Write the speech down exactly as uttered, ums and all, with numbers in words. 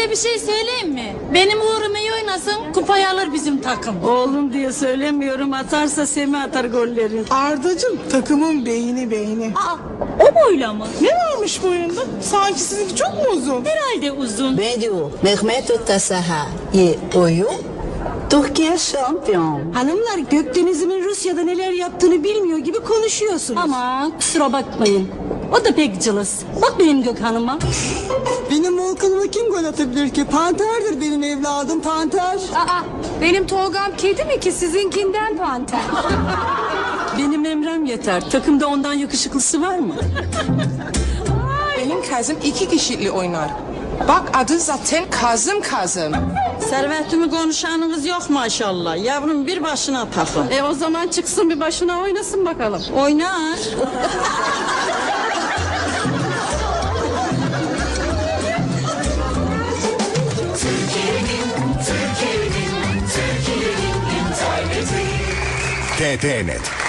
Size bir şey söyleyeyim mi? Benim uğrum iyi oynasın, kupayı alır bizim takım. Oğlum diye söylemiyorum, atarsa Semih atar golleri. Ardacığım takımın beyni beyni. Aa, o boyla mı? Ne varmış boyunda? Sanki sizinki çok mu uzun? Herhalde uzun. Bedu, Mehmet Tasaha, ye oyun, Türkiye şampiyon. Hanımlar, Gökdeniz'imin Rusya'da neler yaptığını bilmiyor gibi konuşuyorsunuz. Aman kusura bakmayın. O da pek cılız. Bak benim Gökhan'ıma. Benim Volkan'ıma kim gol atabilir ki? Panterdir benim evladım, panter. Aa, benim Tolgam kedi mi ki sizinkinden panter? Benim Emrem yeter. Takımda ondan yakışıklısı var mı? Benim kızım iki kişiyle oynar. Bak adı zaten Kazım Kazım. Servetimi konuşanınız yok maşallah. Yavrum bir başına takım. E o zaman çıksın bir başına oynasın bakalım. Oynar. T T Net.